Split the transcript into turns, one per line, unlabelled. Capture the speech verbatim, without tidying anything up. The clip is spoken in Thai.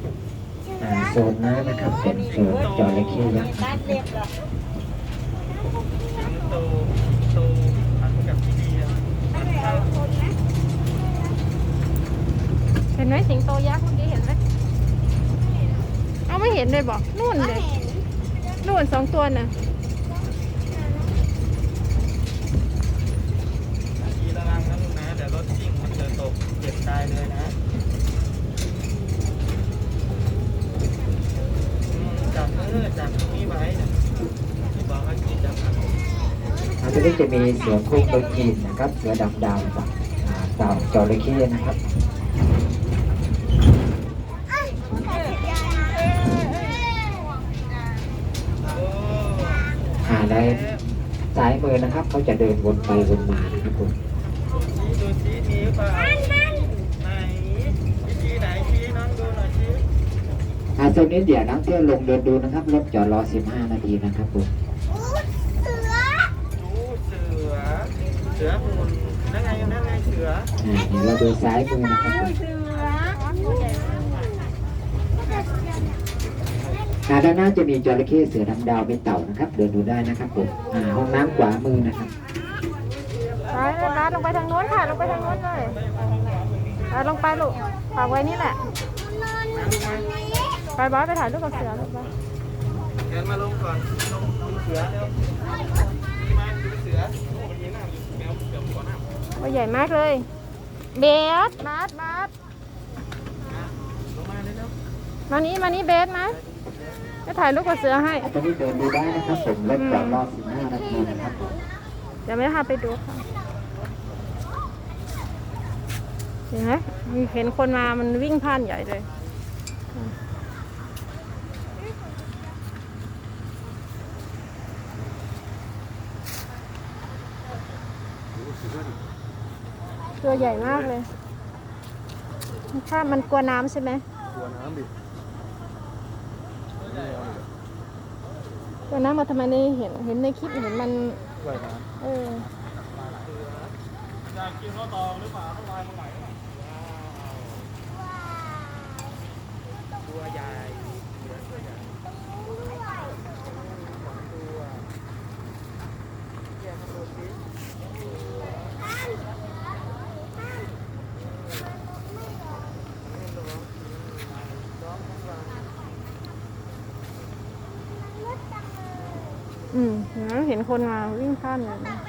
อ่าโซนน้ำนะครับเป็นโซนจระเข้ยักษ์
ตัดเล็บเหรอ
สิงโตโตหันกับพี่เดีย
เห็นไหมสิงโตยักษ์เมื่อกี้เห็นไหมเอาไม่เห็นเลยบอกนู่นเลยนู่นสองตัวน่ะ
ขี่ระวังนะลูกนะเดี๋ยวรถซิ่งมันจะตกเจ็บตายเลยนะอืมจับมือจับตรงนี้ไว้นะที่บอกว่าขี่จับมือ
อันนี้จะมีเสือโคร่งเบอร์จีนนะครับเสือดำดาวกับอ่าเต่าจระเข้นะครับอ่าในซ้ายมือนะครับเขาจะเดินวนไปวนมานะครับผม
ดูชี้ชี้เปล่าไหนชี้ไหนชี้น้องดูหน่อยชี้
อ่าโซนนี้เดี๋ยวนักเที่ยวลงเดินดูนะครับรถจอดรอสิบห้านาทีนะครับผม
ดูเสือเสือหุ่นนั่นไงนั่นไงเสือ
อ่าเดี๋ยวเราดูซ้ายมือนะครับผมอ่าด้านหน้าจะมีจระเข้เสือดำดาวเป็นเต่านะครับ เดินดูได้นะครับผมอ่าห้องน้ำขวามือนะครับ
ไปเลยนะลงไปทางโน้นค่ะลงไปทางโน้นเลยไปลงไปลูกฝากไว้นี่แหละไปบอสไปถ่ายรูปกับเสือลูกไป
เดินมาลงก่อนลงดูเสือเร็วมาดูเสือโอ้ยยิ้มหน้าแมวเสือหัวหน้า
ว่าใหญ่มากเลยเบสมาร์ทมาร์ท
ลงมาเลยเร็ว
มานี้มานี้เบสมาไปถ่ายรูปกับเสือให้
ตอนนี้เดินดูได้นะครับผมรถจอดรอสิบห้านาทีนะครับผม
เดี๋ยวไม่พาไปดูค่ะเห็นไหมเห็นคนมามันวิ่งผ่านใหญ่เลยตัวใหญ่มากเลยถ้ามันกลัวน้ำใช่ไหม
กลัวน้ำดิ
กลัวน้ำมาทำไมในเห็นเห็นในคลิปเห็นมัน
ว่ายน้
เออ
ำอยากกินข้าวตองหรือเปล่าข้าวลายมาไหนตัวใหญ่เสือตัวใหญ่สองตัวแยกกันดูสิ
อืมเห็นไหมเห็นคนมาวิ่งข้ามเลย